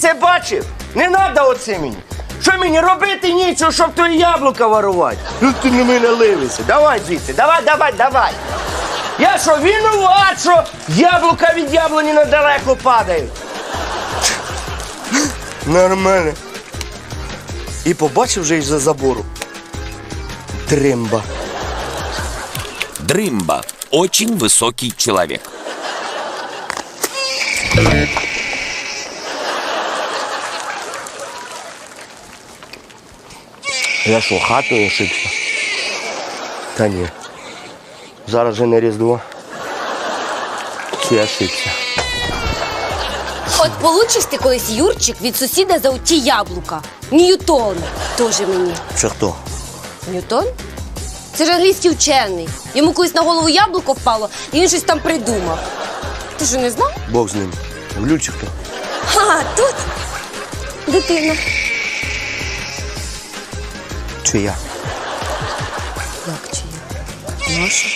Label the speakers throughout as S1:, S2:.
S1: Це бачив? Не треба оце мені. Що мені робити нічого, щоб твої яблука ворувати? Ну ти на мене ливися. Давай звідси, давай. Я що, винуват, що яблука від яблуні недалеко падають? Нормально. І побачив вже із-за забору. Дримба.
S2: Дрымба – очень высокий человек.
S1: Я що, хатою ошибся? Та ні. Зараз же не Різдво. Чи я ошибся?
S3: От получиш ти колись, Юрчик, від сусіда за оті яблука. Ньютон. Тоже мені.
S1: Це хто?
S3: Ньютон? Це ж англійський вчений. Йому колись на голову яблуко впало, і він щось там придумав. Ти що, не знав?
S1: Бог з ним. Глюк чи хто?
S3: А, тут дитина.
S1: Чи я?
S3: Як чи я? Наша.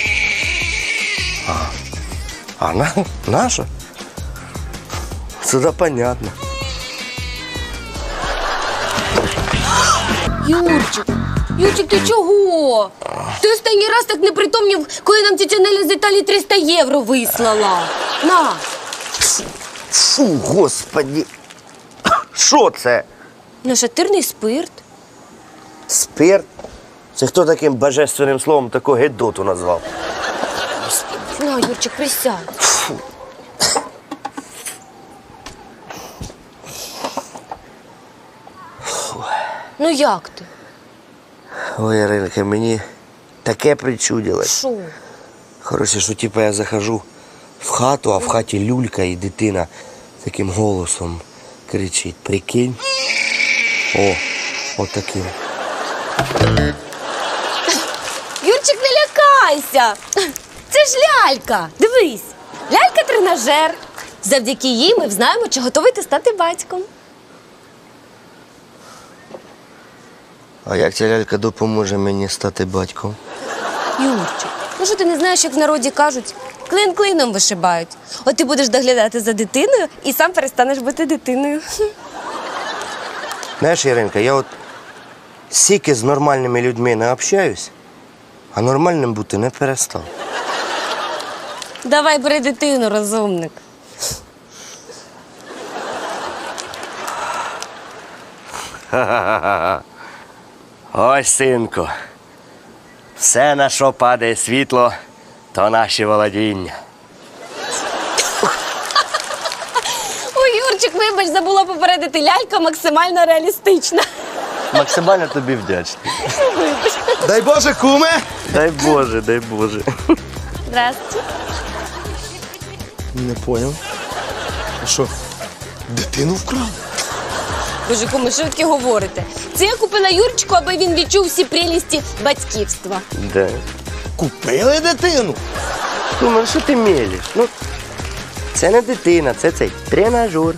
S1: Наша? Це да понятно.
S3: Юрчик, ти чого? Ти останній раз так не притомнів, коли нам тетя Неля з Італії 300 євро вислала. На.
S1: Фу, господи. Що це?
S3: Нашатирний спирт.
S1: Спирт? Це хто таким божественним словом таку гедоту назвав?
S3: На, Юрчик, присядь. Ну як ти?
S1: Ой, Іринка, мені таке причудилось.
S3: Що?
S1: Коротше, що типу я захожу в хату, а в хаті люлька і дитина таким голосом кричить. Прикинь? Отаким.
S3: Юрчик, не лякайся. Це ж лялька. Дивись, лялька-тренажер. Завдяки їй ми знаємо, чи готовий ти стати батьком.
S1: А як ця лялька допоможе мені стати батьком?
S3: Юрчик, ну що ти не знаєш, як в народі кажуть, клин клином вишибають. От ти будеш доглядати за дитиною і сам перестанеш бути дитиною.
S1: Знаєш, Іринка, я от стільки з нормальними людьми не общаюсь, а нормальним бути не перестав.
S3: Давай бери дитину, розумник.
S1: Ось, синку, все, на що падає світло, то наші володіння.
S3: Ой, Юрчик, вибач, забула попередити, лялька максимально реалістична.
S1: Максимально тобі вдячний.
S4: Дай Боже, куме!
S1: Дай Боже, дай Боже.
S3: Здравствуйте.
S4: Не поняв. А що, дитину вкрав?
S3: Боже, кому, що ви таке говорите? Це я купила Юрчику, аби він відчув всі прелісті батьківства.
S1: Да.
S4: Купили дитину?
S1: Кума, що ти мелиш? Ну, це не дитина, це цей тренажер.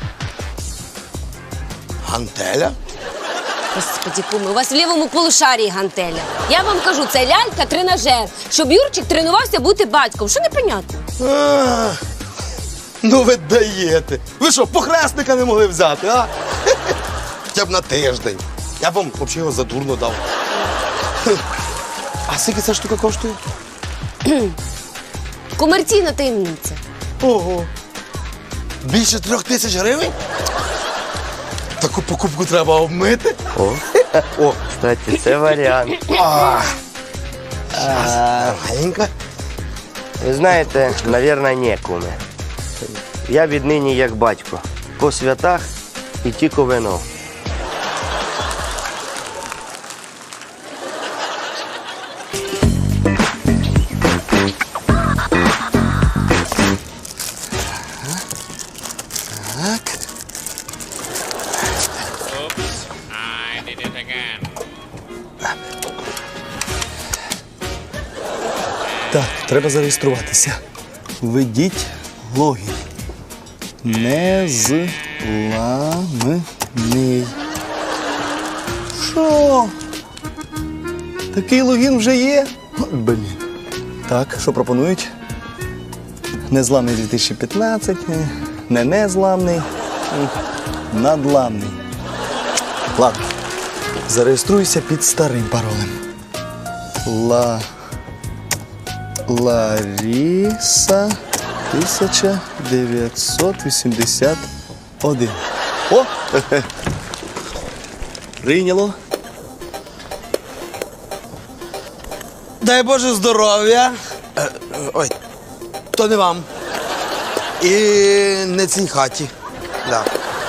S4: Гантеля?
S3: Господи, куми, у вас в лівому полушарії гантеля. Я вам кажу, це лялька-тренажер, щоб Юрчик тренувався бути батьком. Що непонятно?
S4: А, ну ви даєте. Ви що, похресника не могли взяти, а? Хоча б на тиждень. Я б вам взагалі його задурно дав. А скільки ця штука коштує?
S3: Комерційна таємниця.
S4: Ого. Більше 3000 гривень? Таку покупку треба обмити.
S1: О, кстати, це варіант.
S4: Маленька.
S1: Ви знаєте, навірно, ні, куме. Я віднині як батько. По святах і тільки вино.
S4: Так.
S5: I did it again.
S4: Так, треба зареєструватися. Введіть логін. Незламний. Що? Такий логін вже є? Блін. Так, що пропонують? Незламний 2015, незламний.
S6: Надламний. Ладно. Зареєструйся під старим паролем. Ларіса 1981. О! Прийняло.
S4: Дай Боже здоров'я. Ой, то не вам. І не цій хаті. Да.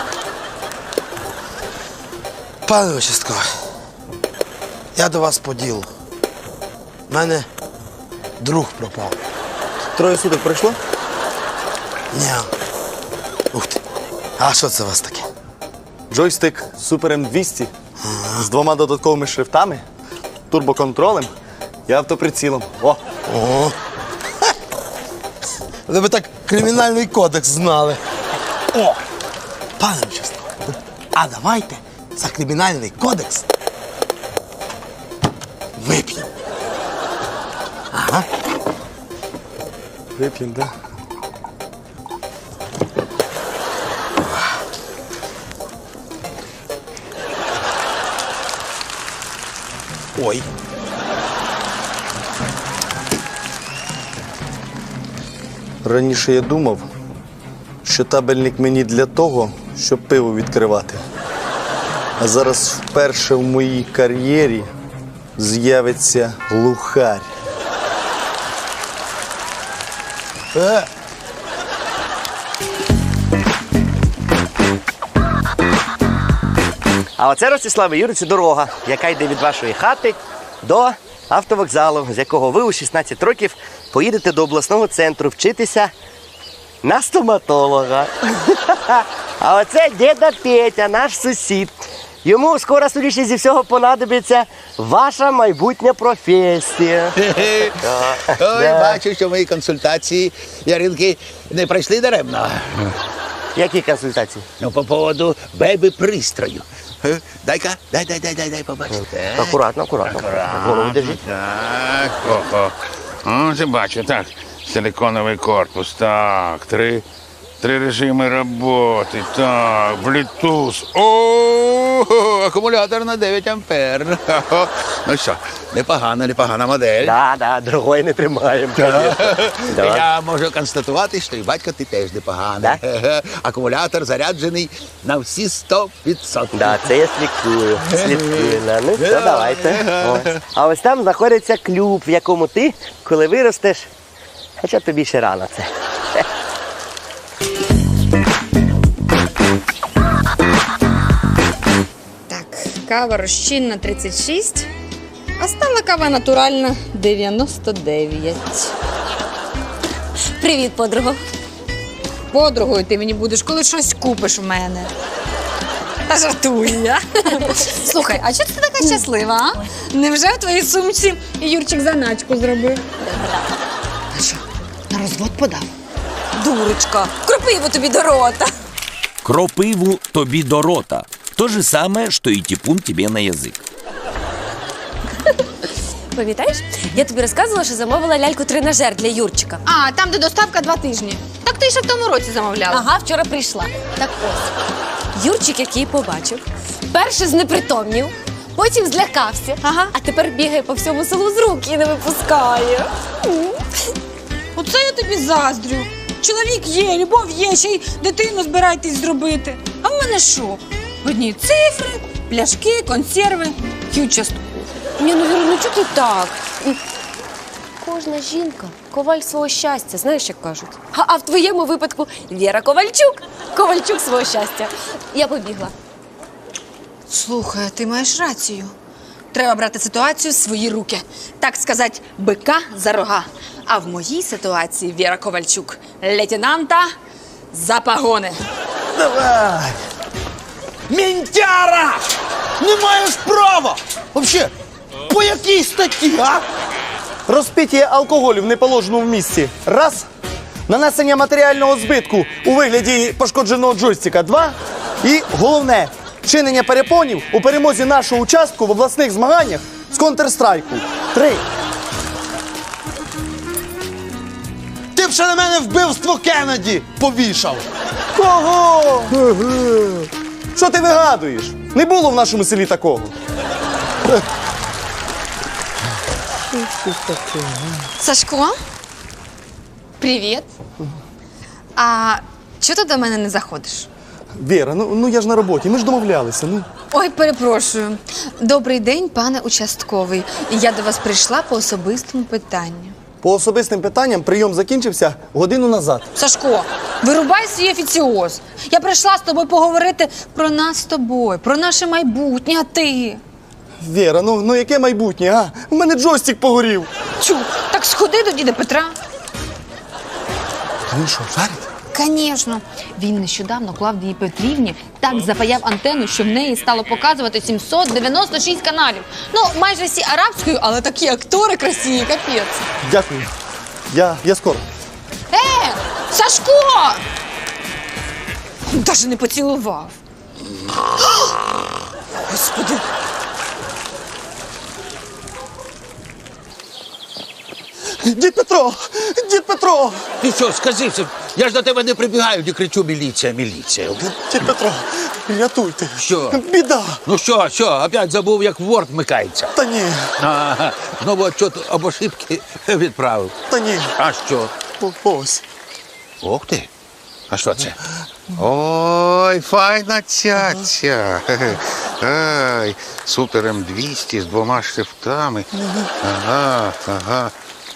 S4: Пане участковий, я до вас по ділу. У мене друг пропав.
S6: 3 суток пройшло?
S4: Ні. Ух ти. А що це у вас таке?
S6: Джойстик Super M200 з 2 додатковими шрифтами, турбоконтролем і автоприцілом. О!
S4: О. Ви б так кримінальний кодекс знали. О! Пане участковий, а давайте за кримінальний кодекс вип'ємо. Ага.
S6: Вип'ємо, да?
S4: Ой.
S6: Раніше я думав, що табельник мені для того, щоб пиво відкривати. А зараз вперше в моїй кар'єрі з'явиться глухарь.
S1: А оце, Ростиславе Юрійовичу, дорога, яка йде від вашої хати до автовокзалу, з якого ви у 16 років поїдете до обласного центру вчитися на стоматолога. А оце діда Петя, наш сусід. Йому скоро, скоріше зі всього, понадобиться ваша майбутня професія.
S7: Ой, бачу, що мої консультації, Яринки, не пройшли даремно.
S1: Які консультації?
S7: Ну, по поводу бебі-пристрою. Дай-ка, дай побачити.
S1: Акуратно, акуратно. Голову держіть.
S5: Так, ого. О, ти бачу, так. Силиконовий корпус, так. Три режими роботи, так. Bluetooth. О, акумулятор на 9 ампер. Ну що, непогана модель.
S1: Да, другої не тримаємо. Да.
S7: Я можу констатувати, що і батько ти теж непоганий. Акумулятор заряджений на всі 100%.
S1: Да, це я слідкую. Ну, все, давайте. Ось. А ось там знаходиться клуб, в якому ти, коли виростеш, хоча тобі ще рано це.
S8: Так, кава розчинна 36, а стала кава натуральна 99.
S3: Привіт, подруго.
S8: Подругою ти мені будеш, коли щось купиш в мене. Та жартую я. Слухай, а чого ти така щаслива, а? Невже в твоїй сумці Юрчик заначку зробив? А що, на розвод подав?
S3: Дурочка, кропиву тобі до рота.
S2: Кропиву тобі до рота. То же самое, что и типун тебе на язык.
S3: Пам'ятаєш, я тобі розказувала, що замовила ляльку-тренажер для Юрчика.
S8: А, там, де доставка 2 тижні. Так ти ще в тому році замовляла.
S3: Ага, вчора прийшла. Так ось. Юрчик, який побачив, перше знепритомнів, потім злякався, а тепер бігає по всьому селу з рук і не випускає.
S8: Оце я тобі заздрю. Чоловік є, любов є, ще й дитину збираєтесь зробити. А в мене що? Одні цифри, пляшки, консерви і участку.
S3: Ні, ну Віра, ну чого ти так? Кожна жінка – коваль свого щастя, знаєш, як кажуть. А в твоєму випадку Віра Ковальчук. Ковальчук свого щастя. Я побігла.
S8: Слухай, а ти маєш рацію. Треба брати ситуацію в свої руки. Так сказати, бика за рога. А в моїй ситуації Віра Ковальчук – лейтенанта за погони.
S4: Давай! Мінтяра! Не маєш права! Вообще, по якій статті, а?
S6: Розпиття алкоголю в неположеному місці. Раз. Нанесення матеріального збитку у вигляді пошкодженого джойстика. 2. І головне, чинення перепонів у перемозі нашого участку в обласних змаганнях з Counter-Strike. 3.
S4: Ти б ще на мене вбивство Кеннеді повішав.
S6: Кого? Що ти вигадуєш? Не було в нашому селі такого.
S8: Сашко? Привіт. А чого ти до мене не заходиш?
S6: Віра, ну я ж на роботі, ми ж домовлялися. Ну.
S8: Ой, перепрошую. Добрий день, пане участковий. Я до вас прийшла по особистому питанню.
S6: По особистим питанням прийом закінчився годину назад.
S8: Сашко, вирубай свій офіціоз. Я прийшла з тобою поговорити про нас з тобою, про наше майбутнє, а ти?
S6: Віра, ну яке майбутнє, а? У мене джойстик погорів.
S8: Чу, так сходи до діда Петра.
S6: Він що, жарить?
S8: Звісно. Він нещодавно Клавдії Петрівні так запаяв антенну, що в неї стало показувати 796 каналів. Ну, майже всі арабською, але такі актори красиві, капець.
S6: Дякую. Я скоро.
S8: Сашко! Даже не поцілував. Господи.
S6: Дід Петро! Дід Петро!
S7: Ти що, сказився? Я ж до тебе не прибігаю, не кричу міліція, міліція.
S6: Дід Петро, рятуйте.
S7: Що?
S6: Біда.
S7: Ну що, опять забув, як Word вмикається?
S6: Та ні,
S7: Ага, знову отчет об ошибки відправив.
S6: та ні.
S7: А що?
S6: Ось.
S7: Ох ти. А що це? Ой, файна цяця. Ай, супер М200 з 2 штифтами. Ага.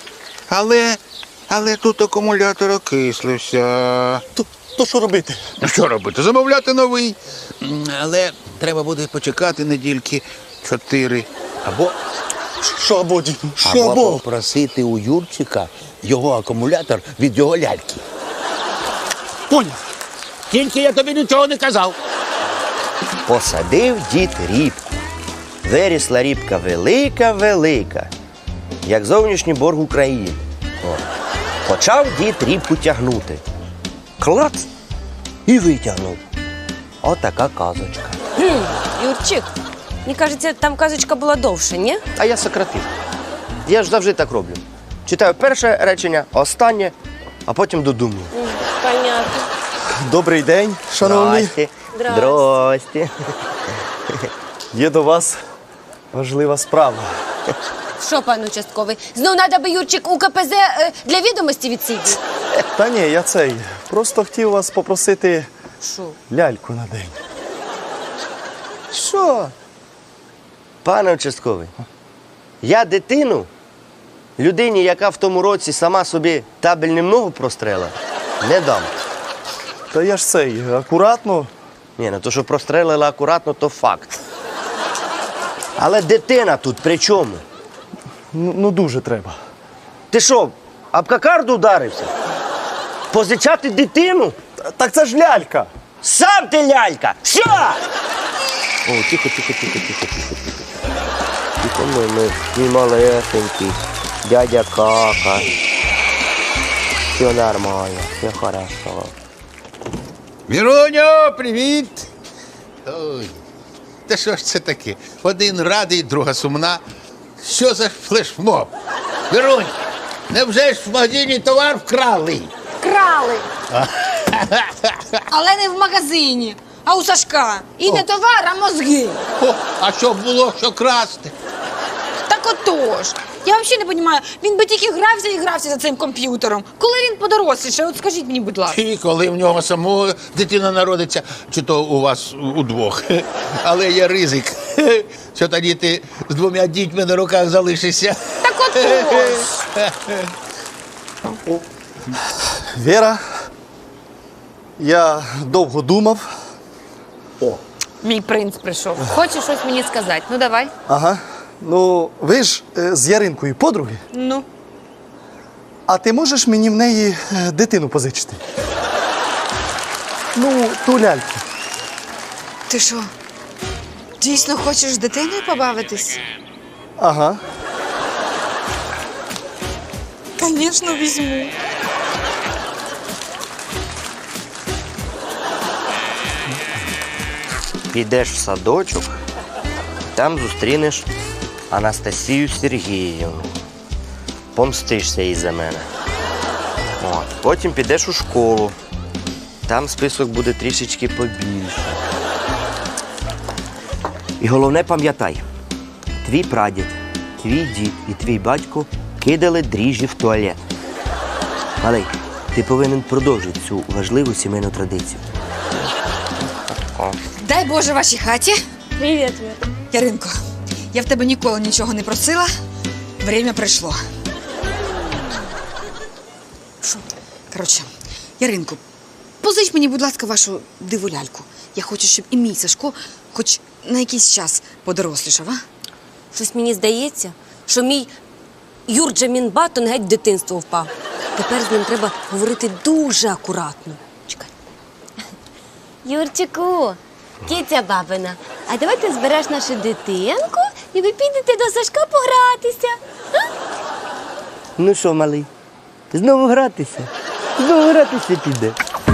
S7: Але тут акумулятор окислився.
S6: То що робити?
S7: Ну що робити? Замовляти новий. Але треба буде почекати недільки 4.
S6: Що або, дід? Що
S7: Або
S6: або?
S7: попросити у Юрчика його акумулятор від його ляльки.
S6: Поняв.
S7: Тільки я тобі нічого не казав.
S1: Посадив дід рібку. Вирісла рібка велика, як зовнішній борг України. О. Почав дід рібку тягнути. Клац! І витягнув. Отака казочка.
S3: Юрчик, мені кажеться, там казочка була довше, ні?
S1: А я сократив. Я ж завжди так роблю. Читаю перше речення, останнє, а потім додумую.
S3: Понятно.
S6: Добрий день, шановний.
S1: Здрасте.
S3: Здрасте.
S1: Здрасте.
S6: Є до вас важлива справа.
S3: Що, пан участковий, знов треба би Юрчик у КПЗ для відомості відсидіти?
S6: Та ні, я просто хотів вас попросити
S3: Що?
S6: ляльку на день.
S1: Що? Пане участковий, я дитину людині, яка в тому році сама собі табельним ногу прострела, не дам.
S6: Та я ж акуратно.
S1: Ні, ну то, що прострелила акуратно, то факт. Але дитина тут при чому?
S6: Ну дуже треба.
S1: Ти що, об кокарду ударився? Позичати дитину?
S6: Так це ж лялька.
S1: Сам ти лялька! Все! О, тихо. Тихо, мій малесенький. Дядя Кака. Все нормально, все хорошо.
S7: Віроню, привіт! Ой, та що ж це таке? Один радий, друга сумна. Що за флешмоб? Віронь, невже ж в магазині товар вкрали?
S8: Крали. Але не в магазині, а у Сашка. І не товар, а мозги.
S7: О, а що було, що красти?
S8: Так отож. Я взагалі не розумію, він би тільки грався за цим комп'ютером. Коли він подоросліше, от скажіть мені, будь ласка.
S7: І коли в нього самого дитина народиться, чи то у вас удвох. Але є ризик, що тоді ти з 2 дітьми на руках залишишся.
S8: Так отож.
S6: Віра, я довго думав.
S8: Мій принц прийшов. Хочеш щось мені сказати? Ну давай.
S6: Ага. Ну, ви ж з Яринкою подруги.
S8: Ну.
S6: А ти можеш мені в неї дитину позичити? Ну, ту ляльку.
S8: Ти що? Дійсно хочеш з дитиною побавитись?
S6: Ага.
S8: Звісно, візьму.
S1: Підеш в садочок, там зустрінеш Анастасію Сергіївну. Помстишся їй за мене. От. Потім підеш у школу. Там список буде трішечки побільше. І головне пам'ятай, твій прадід, твій дід і твій батько кидали дріжджі в туалет. Малий, ти повинен продовжити цю важливу сімейну традицію.
S8: Дай Боже вашій хаті.
S3: Привіт, Віра.
S8: Яринко, я в тебе ніколи нічого не просила. Время прийшло. Що? Коротше, Яринко, позич мені, будь ласка, вашу диву ляльку. Я хочу, щоб і мій Сашко хоч на якийсь час подорослішав, а?
S3: Щось мені здається, що мій Юрджамін Батон геть в дитинство впав. Тепер з ним треба говорити дуже акуратно. Чекай. Юрчику, киця бабина, а давай ти збереш нашу дитинку і ви підете до Сашка погратися.
S1: Ну що, малий, знову гратися? Знову гратися піде.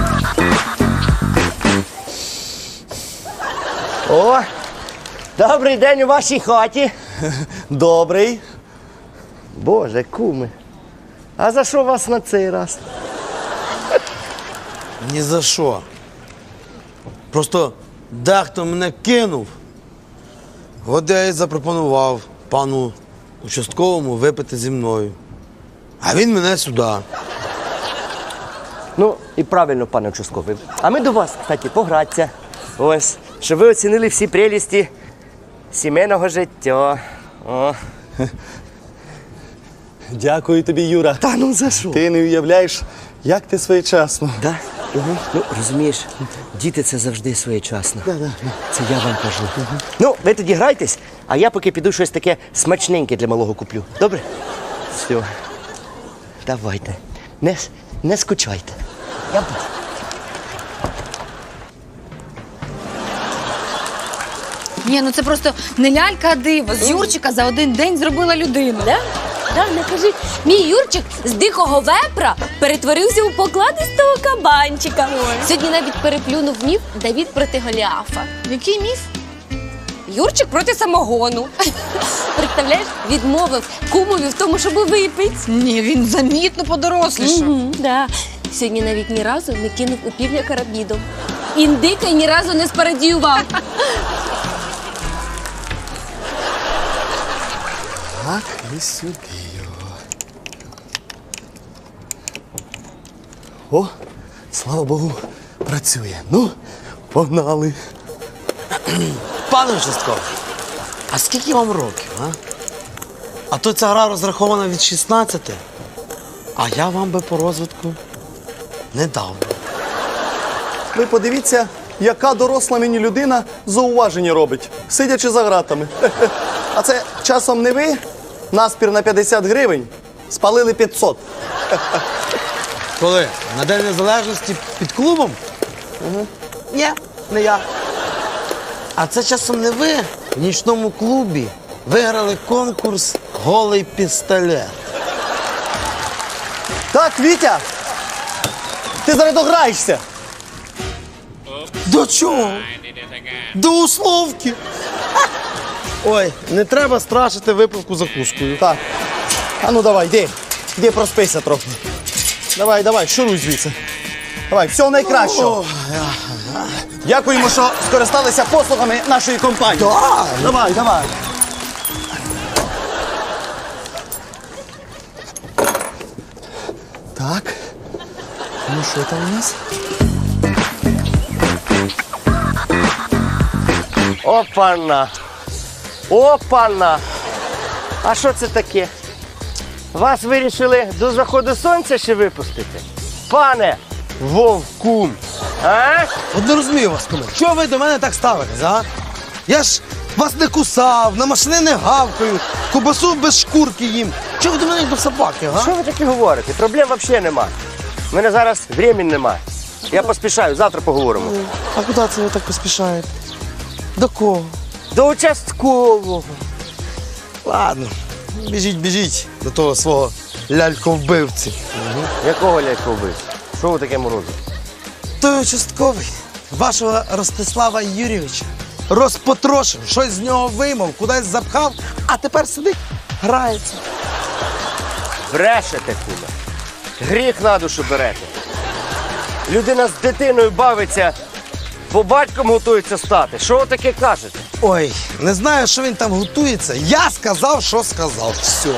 S1: О, добрий день у вашій хаті.
S6: Добрий.
S1: Боже, куми. А за що вас на цей раз?
S4: Ні за що. Просто дехто мене кинув. От я і запропонував пану участковому випити зі мною. А він мене сюди.
S1: Ну, і правильно, пане участковий. А ми до вас, кстати, погратися. Ось, щоб ви оцінили всі прелісті сімейного життя. О.
S6: Дякую тобі, Юра.
S1: Та ну за що?
S6: Ти не уявляєш, як ти своєчасно.
S1: Да? Угу. Ну, розумієш, діти це завжди своєчасно. Це я вам кажу. Ну, ви тоді грайтесь, а я поки піду щось таке смачненьке для малого куплю. Добре? Все. Давайте. Не скучайте. Я буду.
S8: Ні, ну це просто не лялька, а диво. З Юрчика за один день зробила людину.
S3: Да? Да, не кажи. Мій Юрчик з дикого вепра перетворився у покладистого кабанчика. Сьогодні навіть переплюнув міф Давід проти Голіафа.
S8: Який міф?
S3: Юрчик проти самогону. Представляєш, відмовив кумові в тому, щоб випити.
S8: Ні, він замітно подорослішав.
S3: Да. Сьогодні навіть ні разу не кинув у півня карабідом. Індика ні разу не спарадіював.
S6: Так, і сюди його. О, слава Богу, працює. Ну, погнали.
S4: Пане участковий, а скільки вам років, а? А то ця гра розрахована від 16, а я вам би по розвитку не дав.
S6: Ви подивіться, яка доросла мені людина зауваження робить, сидячи за гратами. А це часом не ви? Наспір на 50 гривень, спалили 500.
S4: Коли? На День Незалежності під клубом? Ні, не я. А це часом не ви в нічному клубі виграли конкурс «Голий пістолет».
S6: Так, Вітя, ти зараз дограєшся.
S4: До чого? До условки. Ой, не треба страшити випивку закускою.
S6: Так, а ну давай, йди проспися трохи. Давай, шуруй звідси. Давай, всього найкращого. Дякуємо, що скористалися послугами нашої компанії. Давай. Так, ну що там у нас?
S1: Опана! А що це таке? Вас вирішили до заходу сонця ще випустити? Пане Вовкун! А?
S4: От не розумію вас, коли. Чого ви до мене так ставитесь, а? Я ж вас не кусав, на машини не гавкаю, кубасу без шкурки їм. Чого ви до мене як до собаки, а?
S1: Що ви таке говорите? Проблем взагалі нема. У мене зараз времени нема. Я поспішаю, завтра поговоримо.
S4: А куди це ви так поспішаєте? До кого?
S1: До участкового.
S4: Ладно, біжіть до того свого ляльковбивці.
S1: Якого лялька вбив? Що ви таке морозите?
S4: Той участковий вашого Ростислава Юрійовича розпотрошив, щось з нього виймав, кудись запхав, а тепер сидить, грається.
S1: Брешете, куме. Гріх на душу берете. Людина з дитиною бавиться, бо батьком готується стати. Що ви таке кажете?
S4: Ой, не знаю, що він там готується. Я сказав, що сказав. Все.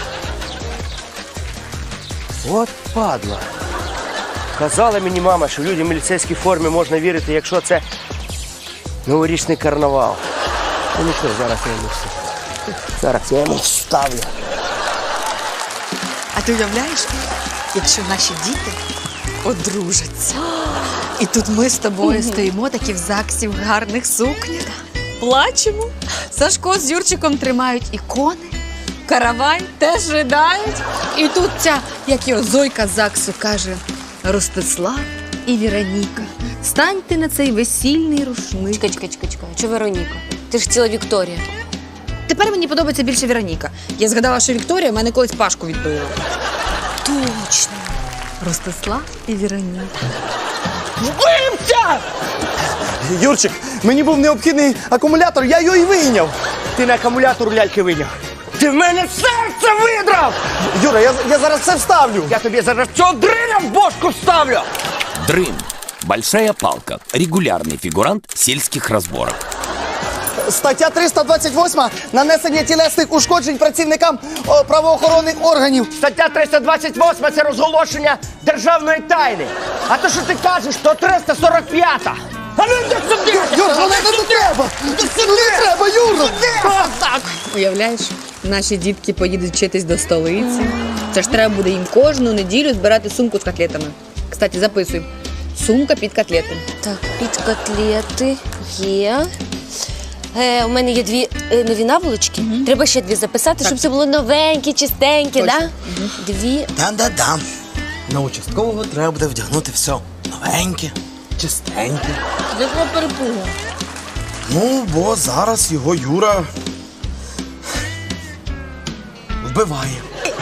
S1: От падла. Казала мені мама, що людям в міліцейській формі можна вірити, якщо це новорічний карнавал. Ну нічого, зараз я йому все. Зараз я йому вставлю.
S8: А ти уявляєш, якщо наші діти одружаться? І тут ми з тобою стоїмо такі в ЗАГСі в гарних сукнях, плачемо. Сашко з Юрчиком тримають ікони, каравай теж ридають. І тут ця, як його Зойка з ЗАГСу каже, Ростислав і Віроніка, станьте на цей весільний рушник.
S3: Чекай. Чого Вероніка? Ти ж ціла Вікторія.
S8: Тепер мені подобається більше Віроніка. Я згадала, що Вікторія в мене колись Пашку відбила.
S3: Точно.
S8: Ростислав і Віроніка.
S1: Вбивця!
S6: Юрчик, мені був необхідний акумулятор, я його і вийняв.
S1: Ти на акумулятор ляльки виняв. Ти в мене серце видрав!
S6: Юра, я зараз це вставлю.
S1: Я тобі зараз цього дриля в бошку вставлю!
S2: Дрын. Большая палка. Регулярный фигурант сельских разборок.
S6: Стаття 328 – нанесення тілесних ушкоджень працівникам правоохоронних органів.
S1: Стаття 328 – це розголошення державної тайни. А то, що ти кажеш, то 345-та. А ну йди сюди!
S6: Юра, ну не треба! Не треба, Юра!
S8: Уявляєш, наші дітки поїдуть вчитись до столиці. Це ж треба буде їм кожну неділю збирати сумку з котлетами. Кстати, записуй. Сумка під котлети.
S3: Так, під котлети є. У мене є дві нові наволочки. Треба ще дві записати, щоб це було новеньке, чистеньке,
S8: Точно.
S3: да? Дві.
S4: Да. На участкового треба буде вдягнути все новеньке, чистеньке.
S8: Якого перепугу?
S4: Ну, бо зараз його Юра вбиває.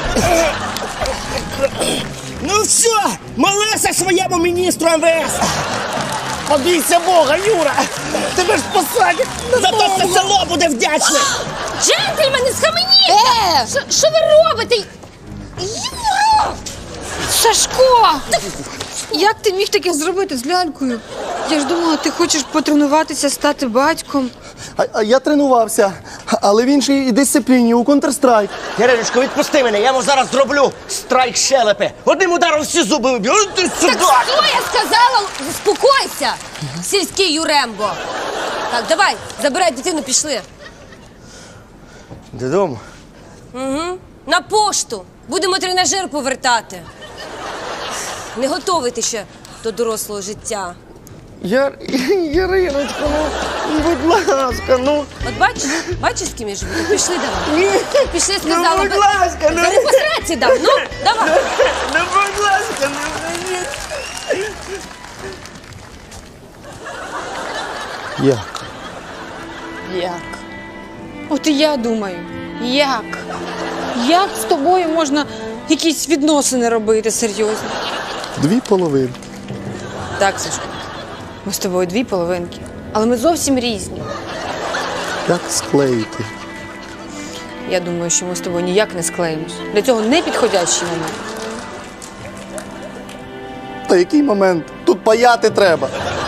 S1: Ну все, молися своєму міністру МВС. Побійся Бога, Юра. Тебе ж посадять. Зато все село буде вдячне.
S3: Джентльмени, схаменіться! Що ви робите? Юра!
S8: Сашко! Як ти міг таке зробити з лялькою? Я ж думала, ти хочеш потренуватися стати батьком.
S6: А я тренувався, але в іншій дисципліні, у Counter-Strike.
S1: Яриночко, відпусти мене, я йому зараз зроблю страйк щелепи. Одним ударом всі зуби виб'ю. Ну ти сюди!
S3: Так що я сказала? Заспокойся, сільський Юрембо. Так, давай, забирай дитину, пішли.
S1: Додому?
S3: На пошту. Будемо тренажер повертати. Не готовий ти ще до дорослого життя.
S1: Яриночко, ну, будь ласка, ну.
S3: От бачиш, з ким я живу? Так пішли давай. Пішли, сказала.
S1: будь ласка, ну.
S3: Зараз по сраці дам, ну, давай.
S1: Ну, будь ласка, ну,
S6: Як?
S8: Як? От і я думаю, як? Як з тобою можна якісь відносини робити серйозно?
S6: Дві половинки.
S8: Так, Сашко, ми з тобою дві половинки, але ми зовсім різні.
S6: Як склеїти?
S8: Я думаю, що ми з тобою ніяк не склеїмось. Для цього не підходящий момент.
S6: Та який момент? Тут паяти треба.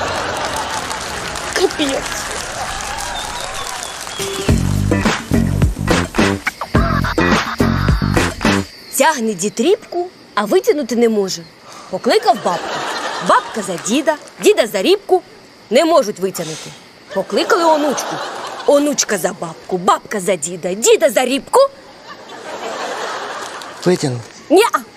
S3: Тягне дід рібку, а витягнути не може. Покликав бабку. Бабка за діда, діда за рібку. Не можуть витягнути. Покликали онучку. Онучка за бабку, бабка за діда, діда за рібку.
S1: Витягну.
S3: Ня!